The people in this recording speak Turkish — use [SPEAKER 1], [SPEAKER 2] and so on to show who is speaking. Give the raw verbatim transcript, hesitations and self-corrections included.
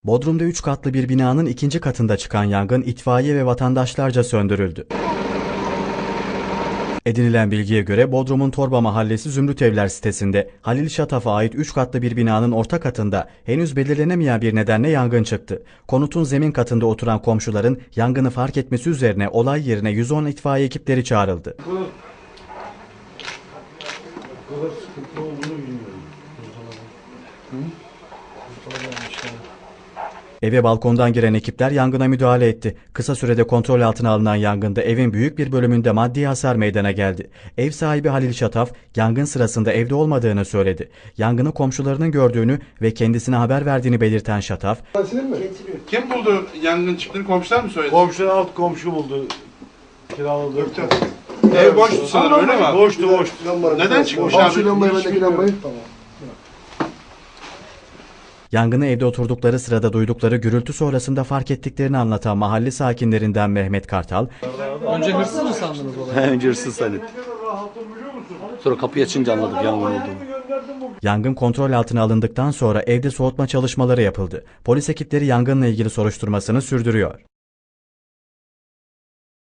[SPEAKER 1] Bodrum'da üç katlı bir binanın ikinci katında çıkan yangın itfaiye ve vatandaşlarca söndürüldü. Edinilen bilgiye göre Bodrum'un Torba Mahallesi Zümrütevler sitesinde Halil Şataf'a ait üç katlı bir binanın orta katında henüz belirlenemeyen bir nedenle yangın çıktı. Konutun zemin katında oturan komşuların yangını fark etmesi üzerine olay yerine yüz on itfaiye ekipleri çağrıldı.
[SPEAKER 2] Bu kadar, bu kadar sıkıntı olduğunu bilmiyorum. Hı?
[SPEAKER 1] Eve balkondan giren ekipler yangına müdahale etti. Kısa sürede kontrol altına alınan yangında evin büyük bir bölümünde maddi hasar meydana geldi. Ev sahibi Halil Şataf, yangın sırasında evde olmadığını söyledi. Yangını komşularının gördüğünü ve kendisine haber verdiğini belirten Şataf,
[SPEAKER 3] "Kim buldu yangın çıktığını, komşular mı söyledi?"
[SPEAKER 2] Komşu alt komşu buldu. Kiraladı.
[SPEAKER 3] Ev boştu sanırım, öyle mi abi?
[SPEAKER 2] Boştu boştu.
[SPEAKER 3] Neden çıkmış
[SPEAKER 2] Komşu
[SPEAKER 3] abi?
[SPEAKER 2] lambayı, bendeki lambayı.
[SPEAKER 1] yangını evde oturdukları sırada duydukları gürültü sonrasında fark ettiklerini anlatan mahalle sakinlerinden Mehmet Kartal,
[SPEAKER 4] Önce hırsız mı sandınız olayı?
[SPEAKER 5] Önce hırsız zannettim. Sonra kapıyı açınca anladık yangın olduğunu.
[SPEAKER 1] yangın kontrol altına alındıktan sonra evde soğutma çalışmaları yapıldı. Polis ekipleri yangınla ilgili soruşturmasını sürdürüyor.